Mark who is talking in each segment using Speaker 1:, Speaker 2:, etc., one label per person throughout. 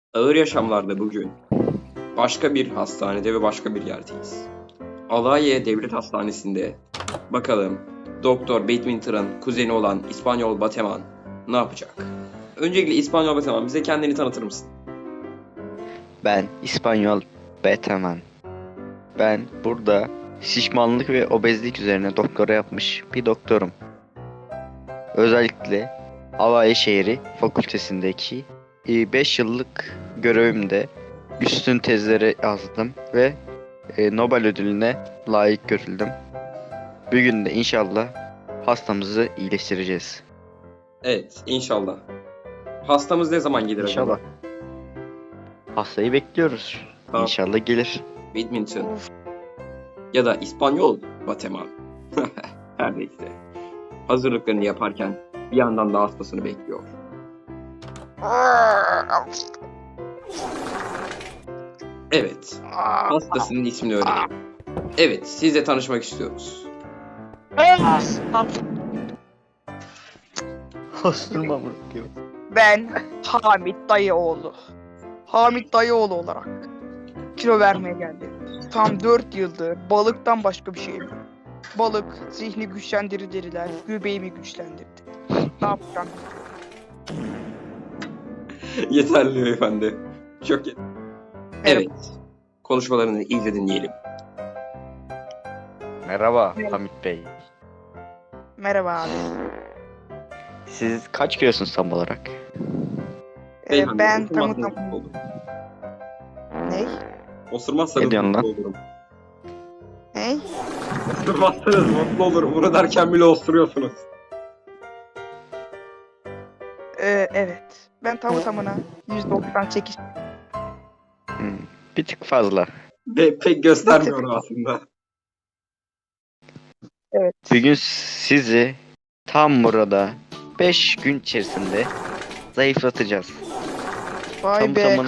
Speaker 1: Ağır yaşamlarda bugün başka bir hastanede ve başka bir yerdeyiz. Alanya Devlet Hastanesi'nde bakalım Doktor Badminton'ın kuzeni olan İspanyol Bateman ne yapacak? Öncelikle İspanyol Bateman bize kendini tanıtır mısın?
Speaker 2: Ben İspanyol Beteman. Ben burada şişmanlık ve obezlik üzerine doktora yapmış bir doktorum. Özellikle Alanya Şehri Fakültesindeki 5 yıllık görevimde üstün tezleri yazdım ve Nobel ödülüne layık görüldüm. Bugün de inşallah hastamızı iyileştireceğiz.
Speaker 1: Evet, inşallah. Hastamız ne zaman gelir
Speaker 2: İnşallah.
Speaker 1: acaba?
Speaker 2: Hastayı bekliyoruz.
Speaker 1: Tamam.
Speaker 2: İnşallah gelir.
Speaker 1: Badminton ya da İspanyol Bateman. Her neyse. Hazırlıklarını yaparken bir yandan da hastasını bekliyor. Evet, hastasının ismini öğrenelim. Evet, sizle tanışmak istiyoruz.
Speaker 2: Hastırma bırakıyor.
Speaker 3: Ben Hamit Dayıoğlu. Hamit Dayıoğlu olarak kilo vermeye geldim. Tam 4 yıldır balıktan başka bir şey yok. Balık zihni güçlendirir dediler, göbeğimi güçlendirdi. Ne yapacağım?
Speaker 1: Yeterli beyefendi. Çok yeterli. Evet, konuşmalarını iyice dinleyelim.
Speaker 2: Merhaba Hamit Bey.
Speaker 3: Merhaba abi.
Speaker 2: Siz kaç kilosunuz tam olarak?
Speaker 1: Beyefendi,
Speaker 3: Ben
Speaker 1: osurmazsanız
Speaker 3: tamam.
Speaker 1: mutlu olurum.
Speaker 3: Ne?
Speaker 1: Osurmazsanız
Speaker 2: Ne diyorsun
Speaker 1: mutlu
Speaker 2: lan?
Speaker 1: olurum.
Speaker 3: Ne?
Speaker 1: Osurmazsanız mutlu olurum. Bunu derken bile osuruyorsunuz.
Speaker 3: Evet. Ben tamına 198.
Speaker 2: Bir tık fazla.
Speaker 1: Pek göstermiyorum aslında.
Speaker 3: Evet.
Speaker 2: Bugün sizi tam burada 5 gün içerisinde zayıflatacağız.
Speaker 3: Vay
Speaker 2: Tam
Speaker 3: be.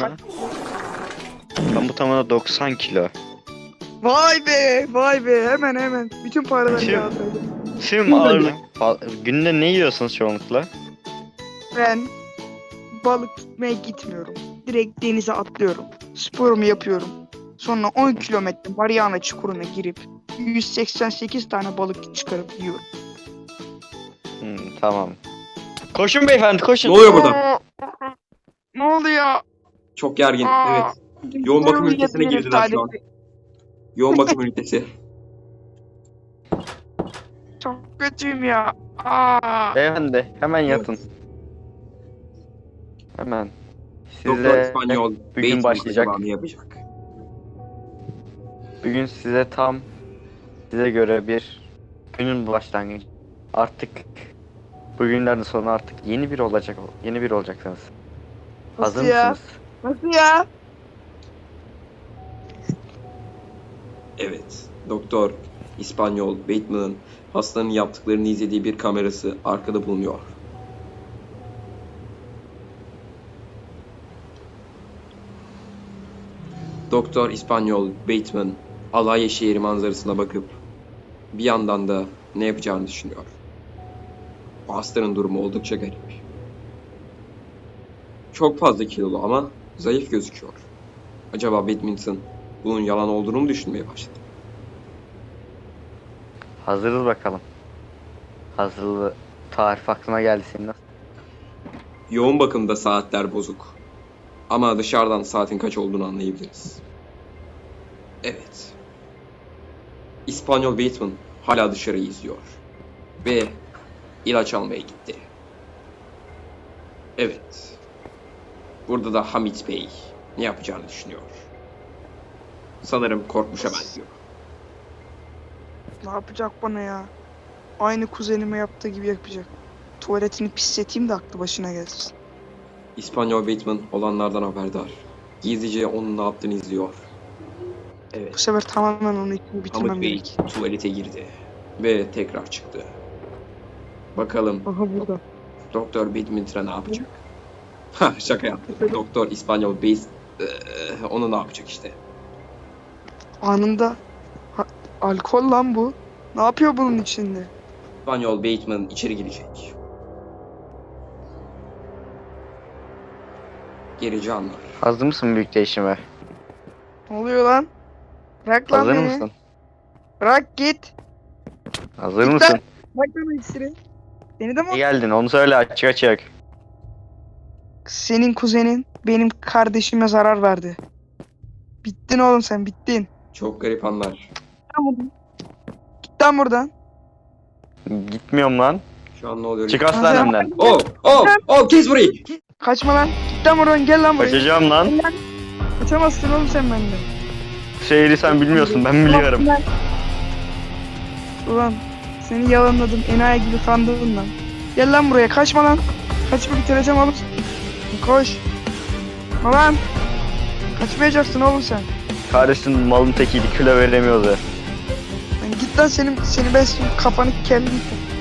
Speaker 2: tamına 90 kilo.
Speaker 3: Vay be. Vay be. Hemen. Bütün paraları
Speaker 2: Tüm-
Speaker 3: yağdırdım.
Speaker 2: Tüm ağırlık. Günde ne yiyorsunuz çoğunlukla?
Speaker 3: Ben balık tutmaya gitmiyorum. Direkt denize atlıyorum. Sporumu yapıyorum. Sonra 10 kilometre Mariana Çukuru'na girip 188 tane balık çıkarıp yiyorum.
Speaker 2: Tamam. Koşun beyefendi koşun.
Speaker 1: Ne oluyor burada?
Speaker 3: Ne oluyor?
Speaker 1: Çok gergin.
Speaker 3: Aa,
Speaker 1: Evet. Yoğun bakım
Speaker 3: Sporumu
Speaker 1: ünitesine
Speaker 3: yapıyorum
Speaker 1: girdiler şu an.
Speaker 3: sadece.
Speaker 1: Yoğun bakım ünitesi.
Speaker 3: Çok kötüyüm ya. Aa.
Speaker 2: Beyefendi hemen yatın. Hemen.
Speaker 1: Doktor
Speaker 2: Size
Speaker 1: İspanyol
Speaker 2: bugün
Speaker 1: Bateman
Speaker 2: başlayacak.
Speaker 1: acaba ne yapacak?
Speaker 2: Bugün size göre bir günün başlangıcı. Artık bugünlerin sonu artık yeni bir olacaksınız.
Speaker 3: Nasıl
Speaker 2: Hazır
Speaker 3: ya?
Speaker 2: mısınız?
Speaker 3: Nasıl ya?
Speaker 1: Evet. Doktor İspanyol Bateman'ın hastanın yaptıklarını izlediği bir kamerası arkada bulunuyor. Doktor İspanyol Bateman Alanya şehri manzarasına bakıp bir yandan da ne yapacağını düşünüyor. Bu hastanın durumu oldukça garip. Çok fazla kilolu ama zayıf gözüküyor. Acaba Badminton bunun yalan olduğunu mu düşünmeye başladı?
Speaker 2: Hazırız bakalım. Hazırlığı tarif aklıma geldi senin nasıl?
Speaker 1: Yoğun bakımda saatler bozuk. Ama dışarıdan saatin kaç olduğunu anlayabiliriz. Evet. İspanyol Bateman hala dışarıyı izliyor. Ve ilaç almaya gitti. Evet. Burada da Hamit Bey ne yapacağını düşünüyor. Sanırım korkmuşa benziyor.
Speaker 3: Ne yapacak bana ya? Aynı kuzenime yaptığı gibi yapacak. Tuvaletini pisleteyim de aklı başına gelsin.
Speaker 1: İspanyol Bateman olanlardan haberdar. Gizlice onun ne yaptığını izliyor.
Speaker 3: Bu
Speaker 1: Evet.
Speaker 3: sefer tamamen onu için
Speaker 1: Hamit
Speaker 3: bitirmem
Speaker 1: Bey
Speaker 3: gerek.
Speaker 1: tuvalete girdi. Ve tekrar çıktı. Bakalım
Speaker 3: Aha burada.
Speaker 1: Doktor Badminton'a ne yapacak? Ha, şaka yaptım. Doktor İspanyol Base onu ne yapacak işte.
Speaker 3: Anında alkol lan bu. Ne yapıyor bunun içinde?
Speaker 1: İspanyol Bateman içeri girecek. Gerici anlar.
Speaker 2: Hazır mısın büyük değişime?
Speaker 3: Ne oluyor lan? Bırak lan
Speaker 2: Hazır
Speaker 3: beni.
Speaker 2: mısın?
Speaker 3: Bırak git.
Speaker 2: Hazır
Speaker 3: Git
Speaker 2: mısın?
Speaker 3: lan. Bırak lan iksiri. Seni de mi?
Speaker 2: Ne geldin onu söyle açık açık.
Speaker 3: Senin kuzenin benim kardeşime zarar verdi. Bittin oğlum sen bittin.
Speaker 1: Çok garip anlar.
Speaker 3: Git lan buradan. Git lan buradan.
Speaker 2: Gitmiyorum lan.
Speaker 1: Şu an ne oluyor?
Speaker 2: Çık hastanemden.
Speaker 1: Oh! Oh! Oh! Kes burayı!
Speaker 3: Kaçma lan. Git lan buradan gel lan buraya.
Speaker 2: Kaçacağım lan.
Speaker 3: Gel lan. Kaçamazsın oğlum sen benden.
Speaker 2: Şehri sen bilmiyorsun ben biliyorum.
Speaker 3: Ulan seni yalanladım enayi gibi kandırdın lan. Gel lan buraya kaçma lan. Kaçma bitireceğim oğlum. Koş. Lan. Kaçmayacaksın oğlum sen.
Speaker 2: Kardeşin malın tekiydi kilo veremiyordu.
Speaker 3: Lan git lan seni ben şimdi kafanı kellim.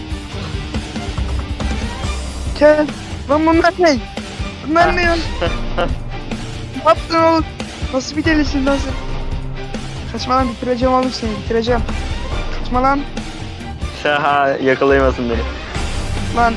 Speaker 3: Kel. Lan bunlar ne? Bunlar ne ya? Ne yaptın oğlum? Nasıl bir delisin lan sen? Kaçma lan bitireceğim oğlum seni bitireceğim. Kaçma lan.
Speaker 2: Şaha yakalayamasın beni.
Speaker 3: Lan.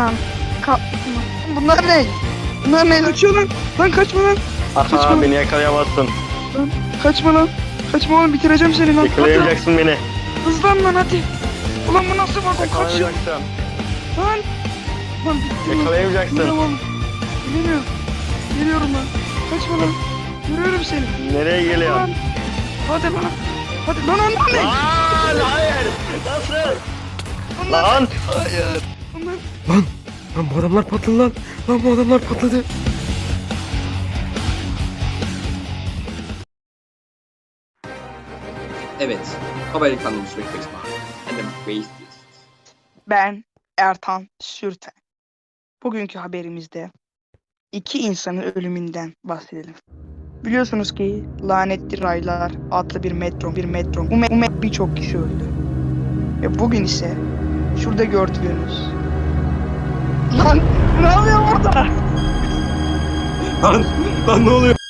Speaker 3: Bunlar ne? Bunlar ne? Kaçıyor lan. Lan kaçma lan.
Speaker 2: Aha beni yakalayamazsın.
Speaker 3: Kaçma lan. Kaçma oğlum bitireceğim seni lan.
Speaker 2: Yakalayamayacaksın beni.
Speaker 3: Hızlan lan hadi. Ulan bu nasıl bak o kaçıyor.
Speaker 2: Yakalayamayacaksın.
Speaker 3: Lan. Lan bittim lan.
Speaker 2: Yakalayamayacaksın.
Speaker 3: Bilmiyorum. Bilemiyorum. Geliyorum lan. Kaçma lan. Görüyorum seni.
Speaker 2: Nereye geliyorsun?
Speaker 3: Lan. Hadi bana. Hadi lan onlar ne?
Speaker 2: Lan hayır. Nasıl?
Speaker 3: Onlar.
Speaker 2: Lan.
Speaker 3: Hayır. Onlar.
Speaker 4: Lan bu adamlar patladı lan. Lan bu adamlar patladı.
Speaker 1: Evet. Amerikanlı Sürekli And the Waste.
Speaker 3: Ben Ertan Sürten. Bugünkü haberimizde iki insanın ölümünden bahsedelim. Biliyorsunuz ki Lanetli Raylar adlı bir metro. Bu birçok kişi öldü. Ve bugün ise şurada gördüğünüz lan ne oluyor burada?
Speaker 1: Lan ne oluyor?